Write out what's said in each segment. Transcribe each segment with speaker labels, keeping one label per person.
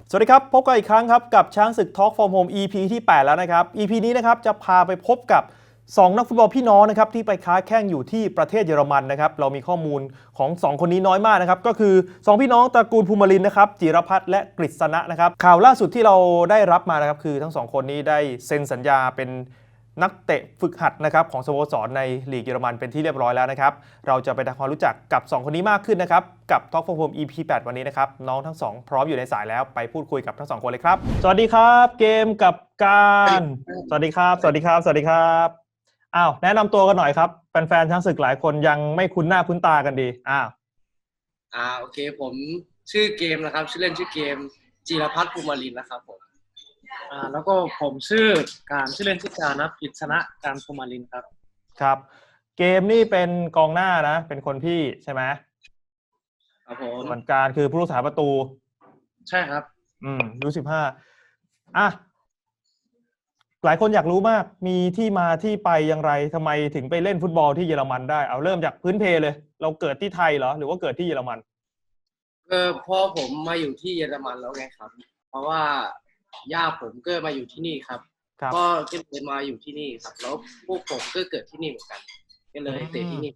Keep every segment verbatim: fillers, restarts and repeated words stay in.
Speaker 1: สวัสดีครับพบกันอีกครั้งครับกับช้างศึก Talk from Home อี พี ที่แปดแล้วนะครับ อี พี นี้นะครับจะพาไปพบกับสองนักฟุตบอลพี่น้องนะครับที่ไปค้าแข่งอยู่ที่ประเทศเยอรมันนะครับเรามีข้อมูลของสองคนนี้น้อยมากนะครับก็คือสองพี่น้องตระกูลภูมิลินนะครับจิรพัฒน์และกฤษณะนะครับข่าวล่าสุดที่เราได้รับมานะครับคือทั้งสองคนนี้ได้เซ็นสัญญาเป็นนักเตะฝึกหัดนะครับของสโมสรในลีกเยอรมันเป็นที่เรียบร้อยแล้วนะครับเราจะไปทำความรู้จักกับสองคนนี้มากขึ้นนะครับกับ Talk from Home อี พี แปด วันนี้นะครับน้องทั้งสองพร้อมอยู่ในสายแล้วไปพูดคุยกับทั้งสองคนเลยครับสวัสดีครับเกมกับการสวัสดีครับสวัสดีครับสวัสดีครับอ้าวแนะนำตัวกันหน่อยครับแฟนๆช้างศึกหลายคนยังไม่คุ้นหน้าคุ้นตากันดีอ้าว
Speaker 2: อ่าโอเคผมชื่อเกมนะครับชื่อเล่นชื่อเกมจิรพัฒน์ภูมิลินนะครับผม
Speaker 3: อ่าแล้วก็ผมชื่อการชื่อเล่นชื่อการนะกฤษณะการภูมิลินครับ
Speaker 1: ครับเกมนี่เป็นกองหน้านะเป็นคนพี่ใช่ไหม
Speaker 2: ครับผม
Speaker 1: ส่วนการคือผู้รักษาประตู
Speaker 3: ใช่ครับ
Speaker 1: อืมยูสิบห้าอ่ะหลายคนอยากรู้มากมีที่มาที่ไปอย่างไรทำไมถึงไปเล่นฟุตบอลที่เยอรมันได้เอาเริ่มจากพื้นเพเลย เราเกิดที่ไทยเหรอหรือว่าเกิดที่เยอรมัน
Speaker 2: เออพอผมมาอยู่ที่เยอรมันแล้วไงครับเพราะว่าย่าผมก็มาอยู่ที่นี่ครับก็ก็เลยมาอยู่ที่นี่ครับแล้วพวกผมก็เกิดที่นี่เหมือนกันก็เลยเตะที่นี่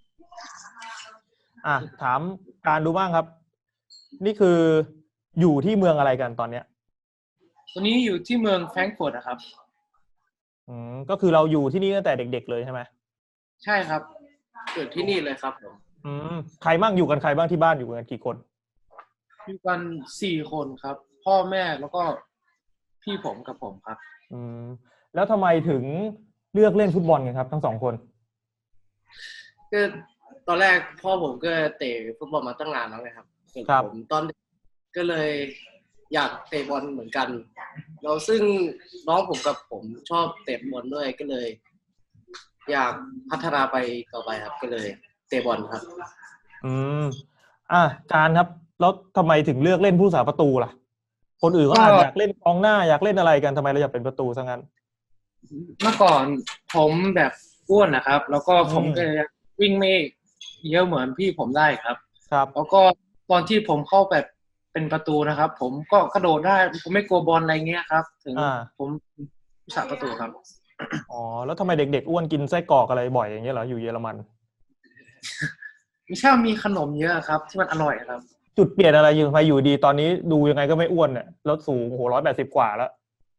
Speaker 1: อ่ะถามการดูบ้างครับนี่คืออยู่ที่เมืองอะไรกันตอนเนี้ย
Speaker 3: ตอนนี้อยู่ที่เมืองแฟรงก์เฟิร์ตนะครับ
Speaker 1: อืมก็คือเราอยู่ที่นี่ตั้งแต่เด็กๆเลยใช่ไหม
Speaker 3: ใช่ครับ
Speaker 2: เกิดที่นี่เลยครับผม
Speaker 1: อืมใครบ้างอยู่กันใครบ้างที่บ้านอยู่กันกี่คน
Speaker 3: อยู่กันสี่คนครับพ่อแม่แล้วก็พี่ผมกับผมครับ
Speaker 1: อืมแล้วทำไมถึงเลือกเล่นฟุตบอลกันครับทั้งสองคน
Speaker 2: ก็ตอนแรกพ่อผมก็เตะฟุตบอลมาตั้งนานแล้วไงครับผมตอนก็เลยอยากเตะบอลเหมือนกันเราซึ่งน้องผมกับผมชอบเตะบอลด้วยก็เลย อยากพัฒนาไปต่อไปครับก็เลยเตะบอลครับ
Speaker 1: อืมอ่ะการครับแล้วทำไมถึงเลือกเล่นผู้รักษาประตูล่ะคนอื่นก็อาจอยากเล่นกองหน้าอยากเล่นอะไรกันทำไมเราอยากเป็นประตูซะงั้น
Speaker 3: เมื่อก่อนผมแบบอ้วนนะครับ แล้วก็ผมก็วิ่งไม่เยอะเหมือนพี่ผมได้ครับ
Speaker 1: ครับ
Speaker 3: แล้วก็ตอนที่ผมเข้าแบบเป็นประตูนะครับผมก็กระโดดได้ผมไม่กลัวบอลอะไรเงี้ยครับถึงผมผู้สาประตูครับ
Speaker 1: อ๋อแล้วทำไมเด็กๆอ้วนกินไส้กรอกอะไรบ่อยอย่างเงี้ยเหรออยู่เยอรมัน
Speaker 3: ไม่ใช่มีขนมเยอะครับที่มันอร่อยครับ
Speaker 1: จุดเปลี่ยนอะไรอยู่ทำไมอยู่ดีตอนนี้ดูยังไงก็ไม่อ้วนเนี่ยลดสูงโอ้โหร้อยแปดสิบกว่าแล้ว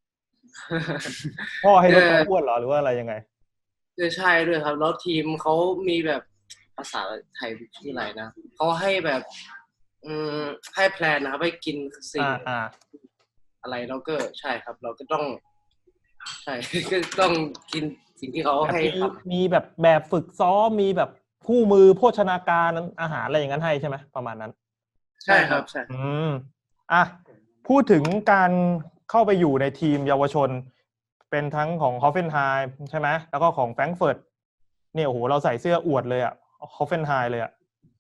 Speaker 1: พ่อให้ลดความอ้วนเหรอหรือว่าอะไรยังไง
Speaker 2: ใช่ด้วยครับแล้วทีมเขามีแบบภาษาไทยชื่ออะไรนะเขาให้แบบอืมให้แพลนนะครับให้กินสิ่งอะไรแล้วก็ใช่ครับเราก็ต้องใช่ก็ต้องกินสิ่งที่เขาให้ครับ
Speaker 1: มีแบบแบบฝึกซ้อมมีแบบคู่มือโภชนาการอาหารอะไรอย่างนั้นให้ใช่ไหมประมาณนั้น
Speaker 3: ใช่ครับใช่
Speaker 1: อืมอ่ะพูดถึงการเข้าไปอยู่ในทีมเยาวชนเป็นทั้งของฮอฟเฟนไฮม์ใช่ไหมแล้วก็ของแฟรงก์เฟิร์ตเนี่ยโอ้โหเราใส่เสื้ออวดเลยอ่ะฮอฟเฟนไฮม์เลยอ่ะ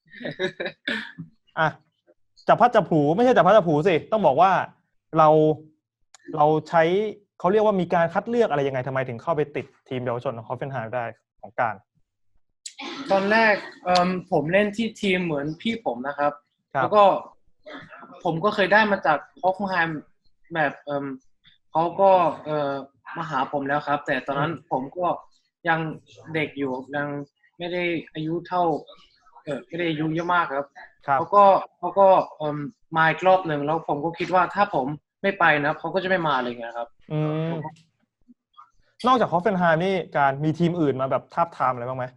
Speaker 1: อ่ะจับพัดจับผูไม่ใช่จับพัดจับผูสิต้องบอกว่าเราเราใช้เขาเรียกว่ามีการคัดเลือกอะไรยังไงทำไมถึงเข้าไปติดทีมเยาวชนของฮอฟเฟนไฮม์ได้ของการ
Speaker 3: ตอนแรกเอ่อผมเล่นที่ทีมเหมือนพี่ผมนะครับแล้วก็ผมก็เคยได้มาจากฮอฟเฟนไฮม์แบบเอ่อเขาก็เอ่อมาหาผมแล้วครับแต่ตอนนั้นผมก็ยังเด็กอยู่ยังไม่ได้อายุเท่าเออไม่ได้อายุเยอะมากครับเขาก็เขาก็เอ่อมาอีกรอบหนึ่งแล้วผมก็คิดว่าถ้าผมไม่ไปนะเขาก็จะไม่มาอะไรเงี้ยครับ
Speaker 1: อืมนอกจากฮอฟเฟนไฮม์นี่การมีทีมอื่นมาแบบทาบทามอะไรบ้างไหม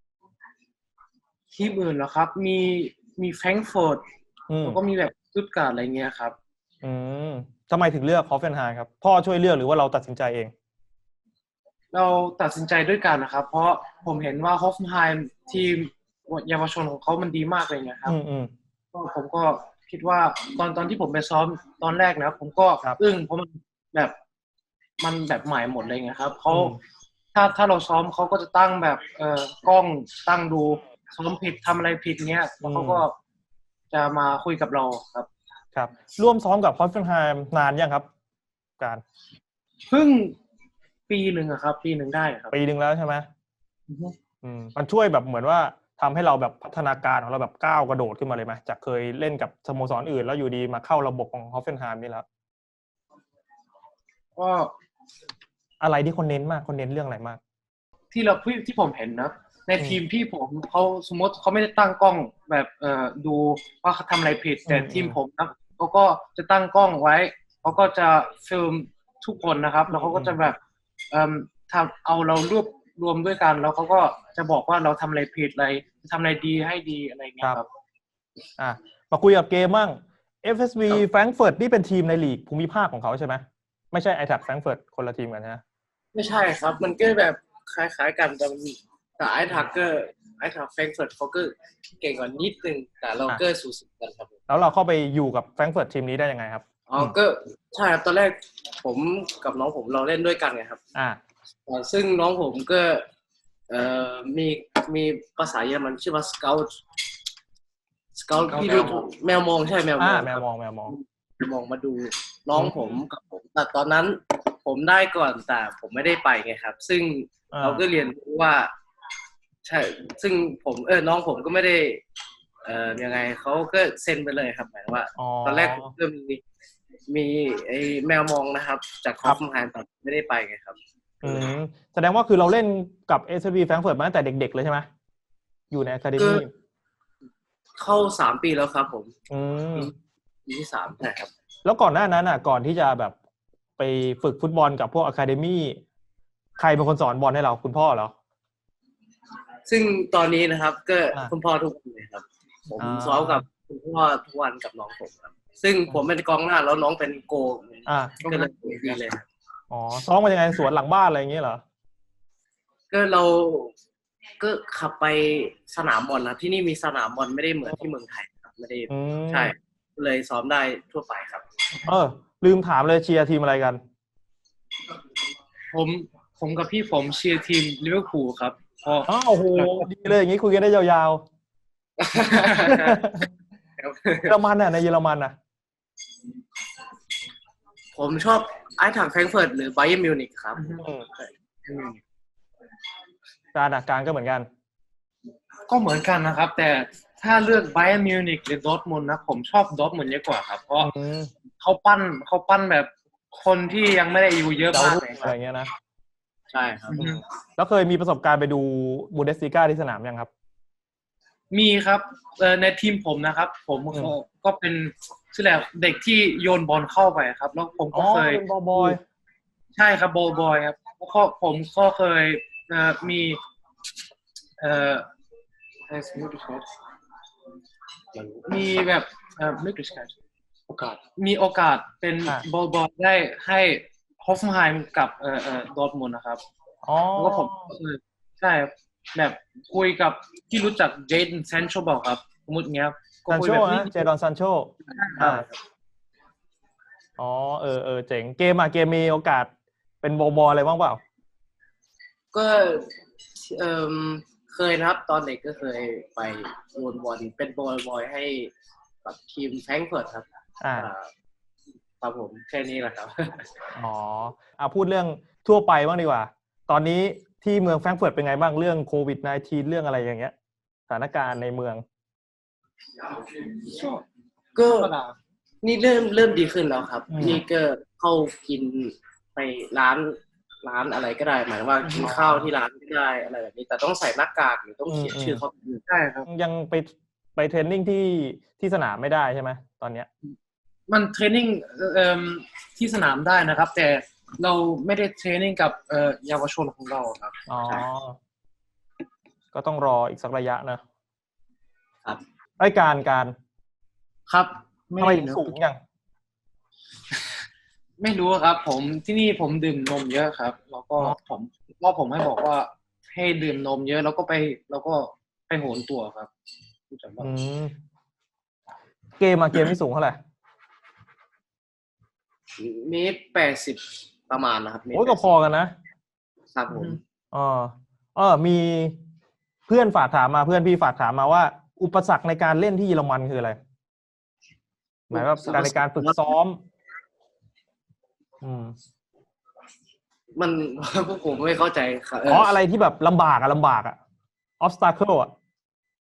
Speaker 3: ทีมอื่นเหรอครับมีมีแฟรงก์เฟิร์ตแล้วก็มีแบบสตุตการ์ดอะไรเงี้ยครับ
Speaker 1: อืมทำไมถึงเลือกฮอฟเฟนไฮม์ครับพ่อช่วยเลือกหรือว่าเราตัดสินใจเอง
Speaker 3: เราตัดสินใจด้วยกันนะครับเพราะผมเห็นว่าฮอฟเฟนไฮม์ทีมเยาวชนของเขามันดีมากเลยนะครับก็ผมก็คิดว่าตอนตอนที่ผมไปซ้อมตอนแรกนะผมก็อึ้งเพราะมันแบบมันแบบใหม่หมดเลยไงครับเขาถ้าถ้าเราซ้อมเขาก็จะตั้งแบบเอ่อกล้องตั้งดูซ้อมผิดทำอะไรผิดเงี้ยแล้วเขาก็จะมาคุยกับเราครับ
Speaker 1: ครับร่วมซ้อมกับฮอฟเฟนไฮม์นานยังครับการ
Speaker 3: เพิ่งปีหนึ่งอะครับปีหนึ่งได้ครับ
Speaker 1: ปีหนึ่งแล้วใช่ไหมอืมมันช่วยแบบเหมือนว่าทำให้เราแบบพัฒนาการของเราแบบก้าวกระโดดขึ้นมาเลยไหมจากเคยเล่นกับสโมสรอื่นแล้วอยู่ดีมาเข้าระบบของฮอฟเฟนไฮม์นี่แล้ว
Speaker 3: ก็
Speaker 1: อะไรที่คนเน้นมากคนเน้นเรื่องอะไรมาก
Speaker 3: ที่เราที่ที่ผมเห็นนะในทีมพี่ผมเขาสมมติเขาไม่ได้ตั้งกล้องแบบเอ่อดูว่าเขาทำอะไรผิดแต่ทีมผมนะเขาก็จะตั้งกล้องไว้เขาก็จะฟิล์มทุกคนนะครับแล้วเขาก็จะแบบเอ่อทำเอาเรารวบรวมด้วยกันแล้วเขาก็จะบอกว่าเราทำอะไรผิดอะไรทำอะไรดีให้ดีอะไรเงี้ยครับ
Speaker 1: อ่ะมาคุยกับเกมบ้าง เอฟ เอส วี Frankfurt นี่เป็นทีมในลีกภูมิภาคของเขาใช่ไหมไม่ใช่ ไอ แท็บ Frankfurt คนละทีมกันนะ
Speaker 2: ไม่ใช่ครับมันก็แบบคล้ายๆกันแต่แต่ไอ้ทักเกอร์ไอ้ทักแฟรงก์เฟิร์ตเขาก็เก่งกว่านิดนึงแต่เราก็สูสีกันครับ
Speaker 1: แล้วเราเข้าไปอยู่กับ Frankfurt ทีมนี้ได้ยังไงครับ
Speaker 2: อ๋อก็ใช่ครับตอนแรกผมกับน้องผมเราเล่นด้วยกันไงครับ
Speaker 1: อ่า
Speaker 2: ซึ่งน้องผมก็เอ่อมีมีภาษาเยอรมันชื่อว่า scout scout ที่ดูแมวมองใช่แมวมอง
Speaker 1: แมวมองแมวมอง
Speaker 2: มองมาดูน้องผมกับผมแต่ตอนนั้นผมได้ก่อนแต่ผมไม่ได้ไปไงครับซึ่งเราก็เรียนรู้ว่าใช่ซึ่งผมเออน้องผมก็ไม่ได้เอ่อยังไงเขาก็เซ็นไปเลยครับหมายว่าตอนแรกผมก็มีมีไอ้แมวมองนะครับจากคอฟมานแต่ไม่ได้ไปไงครับ
Speaker 1: อืมแสดงว่าคือเราเล่นกับ เอส วี Frankfurt มาตั้งแต่เด็กๆเลยใช่ไหมอยู่ในอะคาเดมี่
Speaker 2: เข้าสามปีแล้วครับผม
Speaker 1: อืม
Speaker 2: ปีที่สามใช่ครับ
Speaker 1: แล้วก่อนหน้านั้นอ่ะก่อนที่จะแบบไปฝึกฟุตบอลกับพวกอะคาเดมี่ใครเป็นคนสอนบอลให้เราคุณพ่อเหรอ
Speaker 2: ซึ่งตอนนี้นะครับก็คุณพ่อทุกคนเลยครับผมซ้อมกับคุณพ่อทุกวันกับน้องผมครับซึ่งผมเป็นกองหน้าแล้วน้องเป็นโกก็เลยดีเลย
Speaker 1: อ๋อซ้อมกันยังไงสวนหลังบ้านอะไรอย่างเงี้ยเหรอ
Speaker 2: ก็เราก็ขับไปสนามบอลนะที่นี่มีสนามบอลไม่ได้เหมือนที่เมืองไทยครับไม่ได้ใช่เลยซ้อมได้ทั่วไปครับ
Speaker 1: เออลืมถามเลยเชียร์ทีมอะไรกัน
Speaker 3: ผมผมกับพี่ผมเชียร์ทีมลิเวอร์พูลครับ
Speaker 1: อ๋อโอ้โหดีเลยอย่างนี้คุยกันได้ยาวๆเยอรมันน่ะในเยอรมันน่ะ
Speaker 2: ผมชอบไอ้ถังแฟรงก์เฟิร์ตหรือไบเยิร์นมิวนิกครับ
Speaker 1: การอ่ะการก็เหมือนกัน
Speaker 3: ก็เหมือนกันนะครับแต่ถ้าเลือกไบเยิร์นมิวนิกหรือดอร์ทมุนด์นะผมชอบดอร์ทมุนด์เยอะกว่าครับเพราะเขาปั้นเขาปั้นแบบคนที่ยังไม่ได้อายุเยอะมาก
Speaker 1: อะไรเงี้ยนะ
Speaker 2: ใช่ครับ
Speaker 1: แล้วเคยมีประสบการณ์ไปดูบูเดสลิก้าที่สนามยังครับ
Speaker 3: มีครับในทีมผมนะครับผมก็เป็นชื่ออะไรเด็กที่โยนบอลเข้าไปครับแล้วผมก็เคย
Speaker 1: เป็นบอลบอย
Speaker 3: ใช่ครับบอลบอยครับแล้วก็ผมก็เคยมีเอ่อมีแบบเอ่อไม่กระชับโอกาสมีโอกาสเป็นบอลบอยได้ให้ฮอฟไฮม์กับเอ่อเอ่อดอร์ทมุนด์นะครับ
Speaker 1: อ๋อ
Speaker 3: แล้วก็ผมใช่แบบคุยกับที่รู้จักเจดอนซานโชบอกครับสมมติเงี้ย
Speaker 1: ซานโชนะเจดอนซานโชอ่าอ๋อเออเออเจ๋งเกมอ่ะเกมมีโอกาสเป็นบอลบอยอะไรบ้างเปล่า
Speaker 2: ก็เอ่อเคยนะครับตอนเด็กก็เคยไปโยนบอลเป็นบอลบอยให้กับทีมแฟรงก์เฟิร์ตครับ
Speaker 1: อ่า
Speaker 2: ครับผมแค่นี้แหละครับ
Speaker 1: อ๋ออ่ะพูดเรื่องทั่วไปบ้างดีกว่าตอนนี้ที่เมืองแฟรงก์เฟิร์ตเป็นไงบ้างเรื่องโควิดสิบเก้า เรื่องอะไรอย่างเงี้ยสถานการณ์ในเมือง
Speaker 2: ก็นี่เริ่มเริ่มดีขึ้นแล้วครับนี่ก็เข้ากินไปร้านร้านอะไรก็ได้หมายว่ากินข้าวที่ร้านก็ได้อะไรแบบนี้แต่ต้องใส่หน้ากากหรือต้องเขียนชื่อเขา
Speaker 3: ใช่ครับ
Speaker 1: ยังไปไปเทรนนิ่งที่ที่สนามไม่ได้ใช่ไหมตอนเนี้ย
Speaker 3: มันเทรนนิ่งเอ่อที่สนามได้นะครับแต่เราไม่ได้เทรนนิ่งกับเอ่อเยาวชนของเราครับ
Speaker 1: อ๋อก็ต้องรออีกสักระยะนะครับรายการการ
Speaker 3: ครับ
Speaker 1: ทำไมสูงยัง
Speaker 3: ไม่รู้ครับผมที่นี่ผมดื่มนมเยอะครับแล้วก็ผมพ่อผมให้บอกว่าให้ดื่มนมเยอะแล้วก็ไปแล้วก็ไปโหนตัวครับ
Speaker 1: อืมเกมอะเกมนี่สูงเท่าไหร่
Speaker 2: เมตรแปดสิบประมาณนะครับ
Speaker 1: โอ้ยก็พอกันนะครับ
Speaker 2: ผม
Speaker 1: อ๋อเออมีเพื่อนฝากถามมาเพื่อนพี่ฝากถามมาว่าอุปสรรคในการเล่นที่เยอรมันคืออะไรหมายว่าการในการฝึกซ้อมอืม
Speaker 2: มันพวกผมไม่เข้าใจครับ
Speaker 1: อ๋ออะไรที่แบบลำบากอะลำบากอะ obstacle อะ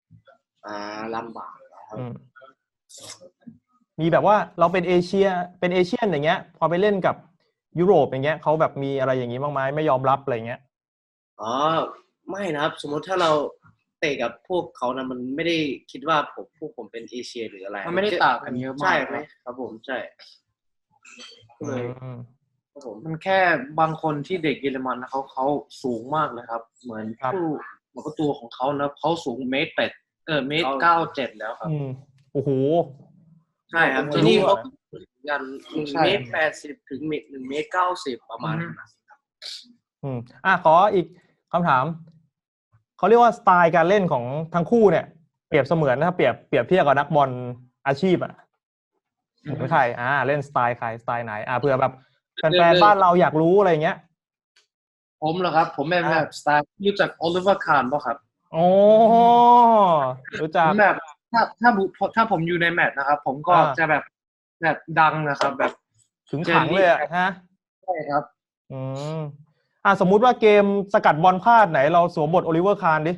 Speaker 2: อ่าลำบากนะครับ
Speaker 1: อืมมีแบบว่าเราเป็นเอเชียเป็นเอเชียนอย่างเงี้ย พอไปเล่นกับยุโรปอย่างเงี้ยเขาแบบมีอะไรอย่างงี้บ้างไหมไม่ยอมรับอะไรเงี้ย
Speaker 2: อ๋อไม่นะครับสมมติถ้าเราเตะกับพวกเขานะมันไม่ได้คิดว่าผมพวกผมเป็นเอเชียหรืออะไร
Speaker 3: มันไม่ได้ต่างกันเยอะมาก
Speaker 2: ใช่ไหม
Speaker 3: ครับ
Speaker 2: ครับผมใช่ก็
Speaker 1: อื
Speaker 2: เลย
Speaker 1: ม
Speaker 2: ครับผม
Speaker 3: มันแค่บางคนที่เด็กเยอรมันนะเขาเขาสูงมากเลยครับ เหมือน
Speaker 1: ครับ
Speaker 3: ผู้เหมือนกับตัวของเขานะเขาสูงเมตรแปดเออเมตร
Speaker 2: เขา
Speaker 3: เก้าเจ็ดแล้วครับ
Speaker 1: อืมโอ้โห
Speaker 2: ใช่ครับ
Speaker 1: ผม
Speaker 2: ที่นี่
Speaker 1: รู้
Speaker 2: เขา
Speaker 1: อะ
Speaker 2: ถึงกันหนึ่ง
Speaker 3: ใช่
Speaker 2: เมตรแปดสิบถึงหนึ่งเมตรเก้าสิบประมาณนั้นนะ
Speaker 1: อืมอ่ะขออีกคำถามเขาเรียกว่าสไตล์การเล่นของทั้งคู่เนี่ยเปรียบเสมือนถ้าเปรียบเปรียบเทียบกับนักบอลอาชีพอ่ะเหมือนใครอ่าเล่นสไตล์ใครสไตล์ไหนอ่าเผื่อแบบแฟนๆบ้านเราอยากรู้อะไรเงี้ย
Speaker 3: ผมเหรอครับ ผมเป็นแบบสไตล์รู้จักโอลิเวอร์คาร์นป่ะครับ
Speaker 1: โอ้รู้
Speaker 3: ผ
Speaker 1: จัก
Speaker 3: มแบบถ้าถ้าผมถ้าผมอยู่ในแมตช์นะครับ ผมก็
Speaker 1: อ่า
Speaker 3: จะแบบแบบดังนะครับ แบบ
Speaker 1: ถึงขังเลยอะฮะ
Speaker 3: ใช่ครับ
Speaker 1: อืมอ่าสมมุติว่าเกมสกัดบอลพลาดไหนเราสวมบทโอลิเวอร์คาร์นดิ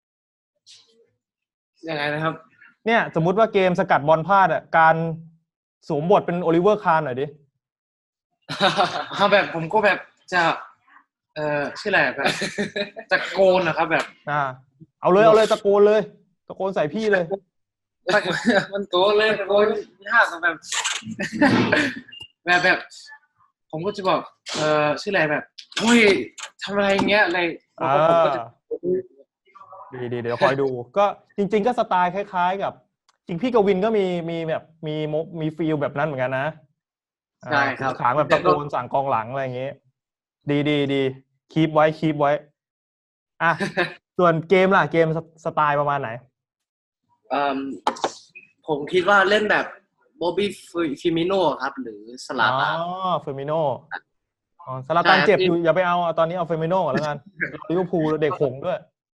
Speaker 2: ยังไงนะครับ
Speaker 1: เนี่ยสมมุติว่าเกมสกัดบอลพลาดอ่ะการสวมบทเป็นโอลิเวอร์คาร์นหน่อยดิ
Speaker 3: เขาแบบผมก็แบบจะเอ่อชื่ออะไรแบบจะโกนนะครับ แบบ
Speaker 1: อ่าเอาเลยเอาเลยตะโกนเลยตะโกนใส่พี่เลย
Speaker 3: มันโกนเลยโกนยากอะแบบ แบบแบบ ผมก็จะบอกเอ่อชื่ออะไรแบบเฮ้ยทำอะไรอย่างเงี้ยอะไรแล้วก็ผมก็จะ
Speaker 1: ดีดีเดี๋ยวคอยดู ก็จริง ๆ ก็สไตล์คล้าย ๆ กับ จริงพี่กวินก็มีมีแบบมีโมมีฟีลแบบนั้นเหมือนกันนะ
Speaker 2: ใช่ครับ
Speaker 1: อ่าขางแบบตะโกนสั่งกองหลังอะไรอย่างเงี้ยดีดีดีคีปไว้คีปไว้ อ่ะ ส่วนเกมล่ะเกมสสไตล์ประมาณไหน
Speaker 2: เอิ่มผมคิดว่าเล่นแบบโบบี้ฟิมิโน่ครับ หรือสลา
Speaker 1: อ๋อ
Speaker 2: ตาน
Speaker 1: เฟอร์มิโนอ๋อซาลาตัน
Speaker 2: ใช่
Speaker 1: เจ็บ
Speaker 2: ที่
Speaker 1: อยู่อย่าไปเอาเอาตอนนี้เอาเฟอร์มิโนก่อนแล้วกันลิเวอร์พูลเด็กหงส์ด้วย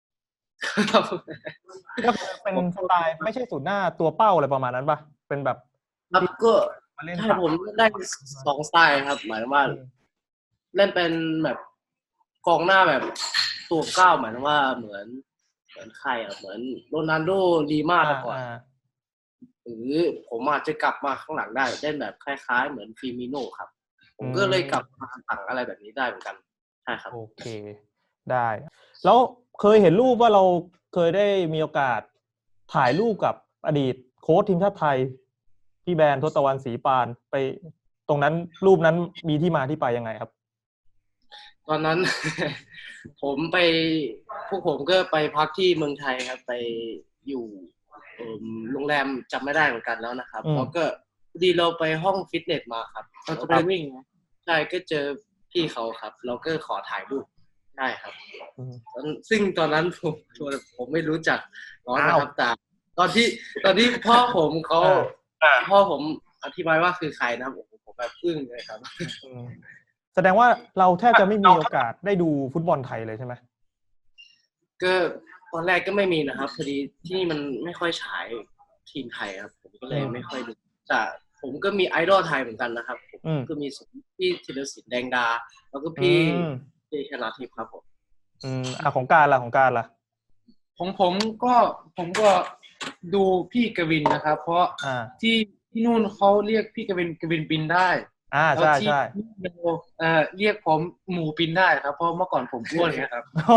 Speaker 1: ก็เป็นสไตล์ไม่ใช่ศูนย์หน้าตัวเป้าอะไรประมาณนั้นป่ะเป็นแบบ
Speaker 2: ครับก็
Speaker 1: มาเล่น
Speaker 2: ใช่
Speaker 1: ตัด
Speaker 2: ผมได้สองสไตล์ครับ หมายถึงว่า เล่นเป็นแบบกองหน้าแบบตัวเก้าหมายถึงว่าเหมือน เหมือนใครอ่ะเหมือนโรนัลโดลีมา
Speaker 1: อ่า
Speaker 2: แต่ก่อน
Speaker 1: อ่า
Speaker 2: หรือผมอาจจะกลับมาข้างหลังได้เล่นแบบคล้ายๆ เหมือนฟิมิโน่ครับ ผมก็เลยกลับมาสั่งอะไรแบบนี้ได้เหมือนกันใช่ครับ
Speaker 1: โอเคได้ แล้วเคยเห็นรูปว่าเราเคยได้มีโอกาสถ่ายรูปกับอดีตโค้ชทีมชาติไทยพี่แบรนด์ทศวรรณศรีปานไปตรงนั้นรูปนั้นมีที่มาที่ไปยังไงครับ
Speaker 2: ตอนนั้น ผมไปพวกผมก็ไปพักที่เมืองไทยครับ ไปอยู่เอิ่มโรงแรมจำไม่ได้เหมือนกันแล้วนะครับ
Speaker 1: อืม
Speaker 2: แล้วก็พอดีเราไปห้องฟิตเนสมาครับ
Speaker 3: เราจะไปวิ่งนะ
Speaker 2: ใช่ก็เจอพี่เขาครับ เราก็ขอถ่ายรูปได้ครับ
Speaker 1: อืม
Speaker 2: ตอนซึ่งตอนนั้นผมผมไม่รู้จักน้องนะ
Speaker 1: อ้าว
Speaker 2: ครับแต่ตอนที่ตอนที่พ่อผมเขา
Speaker 1: อ่า
Speaker 2: พ่อผมอธิบายว่าคือใครนะครับผมผมแบบอึ้งเลยครับ
Speaker 1: อืมแสดงว่าเราแทบจะไม่มีโอกาสได้ดูฟุตบอลไทยเลยใช่ไหม
Speaker 2: ก็ตอนแรกก็ไม่มีนะครับพอดีที่นี่มันไม่ค่อยฉายทีมไทยครับ ผมก็เลย
Speaker 1: อืม
Speaker 2: ไม่ค่อยดูแต่ผมก็มีไอดอลไทยเหมือนกันนะครับผม
Speaker 1: อืม
Speaker 2: ก็มีพี่ธีรศิลป์แดงดา แล้วก็พี่
Speaker 1: อืม
Speaker 2: เจชนาทิพย์ครับผม
Speaker 1: อืมอ่ะของการล่ะของการล่ะ
Speaker 3: ของผมก็ผมก็ดูพี่กวินนะครับ เพราะ
Speaker 1: อ่า
Speaker 3: ที่ที่นู่นเขาเรียกพี่กวินกวินปินได้
Speaker 1: อ่า
Speaker 3: แล้ว
Speaker 1: ใช่
Speaker 3: ที่
Speaker 1: ใช่
Speaker 3: นี่เราเอ่อเรียกผมหมูปินได้ครับ เพราะเมื่อก่อนผมอ้วนนะครับ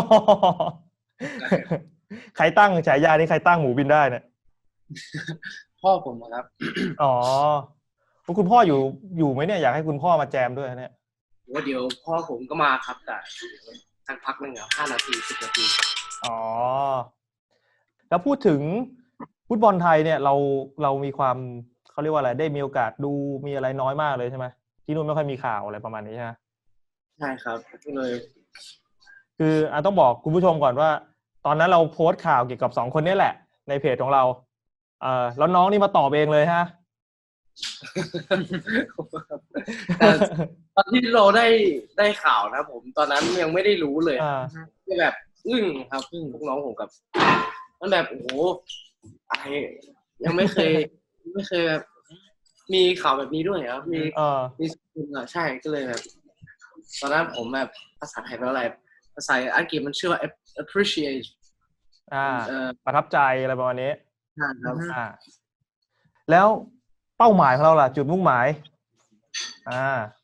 Speaker 1: ใครตั้งฉายานี้ใครตั้งหมูบินได้เนี่ย
Speaker 3: พ่อผมนะครับ
Speaker 1: อ๋อคุณพ่ออยู่อยู่ไหมเนี่ยอยากให้คุณพ่อมาแจมด้วยเนี่ย
Speaker 2: ว่าเดี๋ยวพ่อผมก็มาครับแต่สักพักหนึงครับห้านาทีสิบนาที
Speaker 1: อ๋อ แล้วพูดถึงฟุตบอลไทยเนี่ยเราเรามีความเขาเรียกว่าอะไรได้มีโอกาสดูมีอะไรน้อยมากเลยใช่ไหมที่นู่นไม่ค่อยมีข่าวอะไรประมาณนี้ใช่ไหม
Speaker 2: ใช่ครับก็เลย
Speaker 1: คืออ่ะต้องบอกคุณผู้ชมก่อนว่า ตอนนั้นเราโพสต์ข่าวเกี่ยวกับสองคนนี้แหละ ในเพจของเราเออแล้วน้องนี่มาตอบเองเลยฮะ
Speaker 2: แต่ตอนที่เราได้ได้ข่าวนะผมตอนนั้นยังไม่ได้รู้เลย
Speaker 1: อ่า
Speaker 2: ก็แบบอึ้งครับอึ้งพวกน้องผมกับมันแบบโอ้โหอะไรยังไม่เคย ไม่เคยแบบมีข่าวแบบนี้ด้วยครับมี
Speaker 1: เออ
Speaker 2: มีสกุลอ่ะใช่ก็เลยแบบตอนนั้นผมแบบภาษาไทยแปลว่าอะไรภาษาอังกฤษมันชื่อว่า appreciate
Speaker 1: อ่า
Speaker 2: เอ่อ
Speaker 1: ประทับใจอะไรประมาณนี้
Speaker 2: ครับ
Speaker 1: อ่าแล้วเป้าหมายของเราล่ะจุดมุ่งหมายอ่า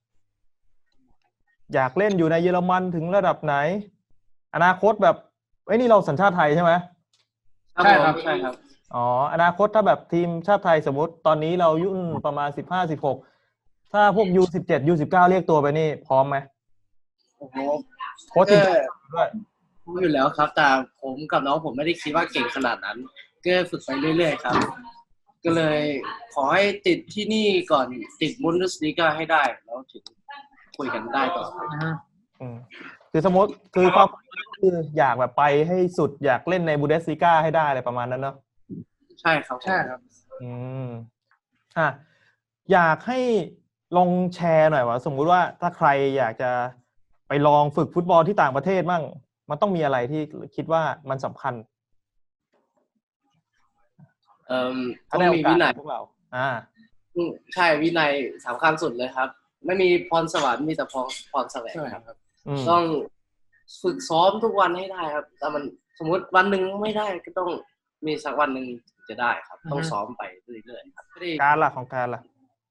Speaker 1: อยากเล่นอยู่ในเยอรมันถึงระดับไหน อนาคตแบบไอ้ยนี่เราสัญชาติไทยใช่ไหม
Speaker 3: ใช่ครับใช่ครับ
Speaker 1: อ๋ออนาคตถ้าแบบทีมชาติไทยสมมติตอนนี้เราอายุ่นประมาณสิบห้าสิบหกถ้าพวก ยู สิบเจ็ด ยู สิบเก้า เรียกตัวไปนี่พร้อมไหม
Speaker 2: โอ้โห
Speaker 1: โค้ชทีมชาติด้วย
Speaker 2: รู้อยู่แล้วครับ แต่ผมกับน้องผมไม่ได้คิดว่าเก่งขนาดนั้น ก็ฝึกไปเรื่อยๆครับ ก็เลยขอให้ติดที่นี่ก่อนติดบุนเดสลีกาให้ได้แล้วถึงคุยกันได้ต่อไป
Speaker 1: อืมคือสมมติคือความคืออยากแบบไปให้สุดอยากเล่นในบูเดสลิก้าให้ได้อะไรประมาณนั้นเนาะ
Speaker 2: ใช่ครับ
Speaker 3: ใช่ครับ
Speaker 1: อืมอ่ะอยากให้ลองแชร์หน่อยว่าสมมุติว่าถ้าใครอยากจะไปลองฝึกฟุตบอลที่ต่างประเทศมั่งมันต้องมีอะไรที่คิดว่ามันสำคัญ
Speaker 2: เอ่อ
Speaker 1: ถ้า
Speaker 2: ต้อง
Speaker 1: ได้โอ
Speaker 2: มี
Speaker 1: กา
Speaker 2: วิ
Speaker 1: ส
Speaker 2: นัย
Speaker 1: พวกเราอ่า
Speaker 2: อืมใช่วินัยสำคัญสุดเลยครับ ไม่มีพรสวรรค์มีแต่พรพรแสวงครับ
Speaker 1: อืม
Speaker 2: ต้องฝึกซ้อมทุกวันให้ได้ครับแต่มันสมมติวันหนึ่งไม่ได้ก็ต้องมีสักวันหนึ่งจะได้ครับ ต้องซ้อมไปเรื่อยๆครับไม่ได้
Speaker 1: การล่ะของการล่ะ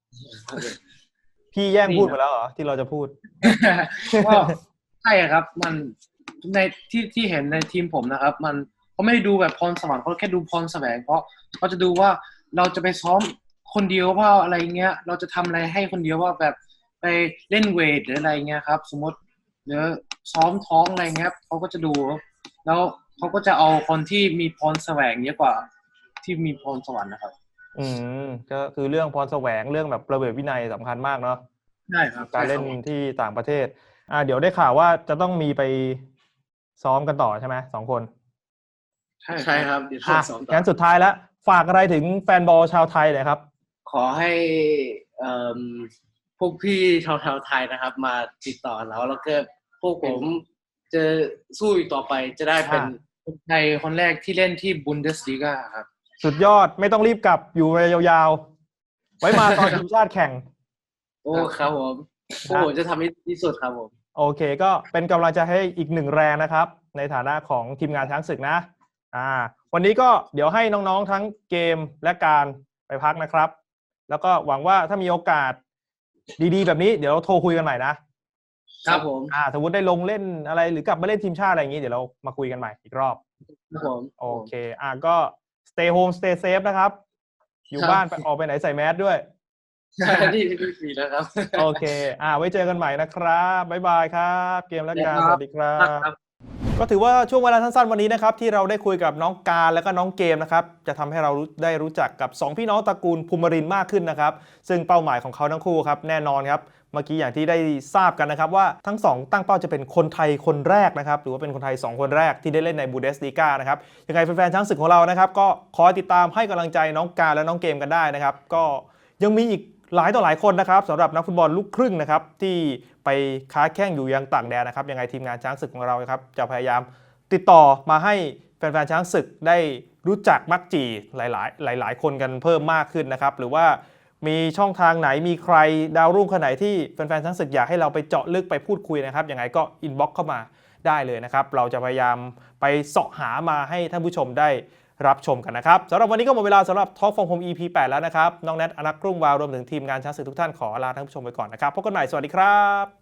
Speaker 1: พี่แย่งพูดไปแล้วเหรอที่เราจะพูด
Speaker 3: ก็ใช่ครับมันในที่ที่เห็นในทีมผมนะครับ มันเขาไม่ได้ดูแบบพรสวรรค์เขาแค่ดูพรแสวงเพราะเขาจะดูว่าเราจะไปซ้อมคนเดียวว่าอะไรเงี้ย เราจะทำอะไรให้คนเดียวว่าแบบไปเล่นเวทหรืออะไรเงี้ยครับ สมมติหรือซ้อมท้องอะไรเงี้ยเขาก็จะดู แล้วเขาก็จะเอาคนที่มีพรแสวงเยอะกว่าที่มีพรสวรรค์นะครับ
Speaker 1: อืมก็คือเรื่องพรแสวงเรื่องแบบระเบียบวินัยสำคัญมากเนาะ
Speaker 3: ใช่ครับ
Speaker 1: การเล่นที่ต่างประเทศ อ่า เดี๋ยวได้ข่าวว่าจะต้องมีไปซ้อมกันต่อใช่ไหมสองคน
Speaker 3: ใช่
Speaker 2: ใช่ครับเดี๋ยว
Speaker 1: อ่ะ
Speaker 2: ซ้อมต่อ
Speaker 1: งั้นสุดท้ายแล้วฝากอะไรถึงแฟนบอลชาวไทยหน่อยครับ
Speaker 2: ขอให้เอ่อพวกพี่ชาวชาวไทยนะครับ มาติดต่อเราแล้วก็พวกผมจะสู้อีกต่อไปจะได้เป็น
Speaker 1: อ่า
Speaker 3: คนไทยคนแรกที่เล่นที่บุนเดสลีกาครับ
Speaker 1: สุดยอดไม่ต้องรีบกลับอยู่ไปยาวๆ ไว้มาตอนทีมชาติแข่ง
Speaker 2: โอ้ครับผมพวกผมจะทำให้ดีที่สุดครับผม
Speaker 1: โอเคก็เป็นกำลังใจให้อีกหนึ่งแรงนะครับ ในฐานะของทีมงานช้างศึกนะ อ่า วันนี้ก็เดี๋ยวให้น้องๆทั้งเกมและการไปพักนะครับ แล้วก็หวังว่าถ้ามีโอกาสดีๆ แบบนี้เดี๋ยวเราโทรคุยกันใหม่นะครับ
Speaker 2: ผม
Speaker 1: อ่าสมมติได้ลงเล่นอะไรหรือกลับมาเล่นทีมชาติอะไรอย่างนี้เดี๋ยวเรามาคุยกันใหม่อีกรอบ
Speaker 2: ครับผม
Speaker 1: โอเค อ่าก็ stay home stay safe นะครับ อยู่บ้านไปออกไปไหนใส่แมสด้วย
Speaker 2: ใช่ที่ที่ฟรีนะครับ
Speaker 1: โอเค อ่า ไว้เจอกันใหม่นะครับ บ๊ายบายครับ เกมและการ
Speaker 2: ครับ
Speaker 1: สวัสดีครับ
Speaker 2: ครับ
Speaker 1: ก็ถือว่าช่วงเวลาสั้นๆวันนี้นะครับที่เราได้คุยกับน้องการและก็น้องเกมนะครับจะทำให้เราได้รู้จักกับสองพี่น้องตระกูลภูมิรินทร์มากขึ้นนะครับซึ่งเป้าหมายของเขาทั้งคู่ครับแน่นอนครับเมื่อกี้อย่างที่ได้ทราบกันนะครับว่าทั้งสองตั้งเป้าจะเป็นคนไทยคนแรกนะครับหรือว่าเป็นคนไทยสองคนแรกที่ได้เล่นในบูเดสลีกานะครับยังไงแฟนๆช้างศึกของเรานะครับก็คอยติดตามให้กำลังใจน้องการและน้องเกมกันได้นะครับก็ยังมีอีกหลายต่อหลายคนนะครับสำหรับนักฟุตบอลลูกครึ่งนะครับที่ไปค้าแข่งอยู่ยังต่างแดนนะครับยังไงทีมงานช้างศึกของเราครับจะพยายามติดต่อมาให้แฟนๆช้างศึกได้รู้จักมักจีหลายๆหลายๆคนกันเพิ่มมากขึ้นนะครับหรือว่ามีช่องทางไหนมีใครดาวรุ่งคนไหนที่แฟนๆช้างศึกอยากให้เราไปเจาะลึกไปพูดคุยนะครับยังไงก็อินบ็อกซ์เข้ามาได้เลยนะครับเราจะพยายามไปเสาะหามาให้ท่านผู้ชมได้รับชมกันนะครับสำหรับวันนี้ก็หมดเวลาสำหรับ Talk from Home อี พี แปดแล้วนะครับน้องแนทอนักกรุ่งวาวรวมถึงทีมงานช้างศึกทุกท่านขอลาท่านผู้ชมไปก่อนนะครับพบกันใหม่สวัสดีครับ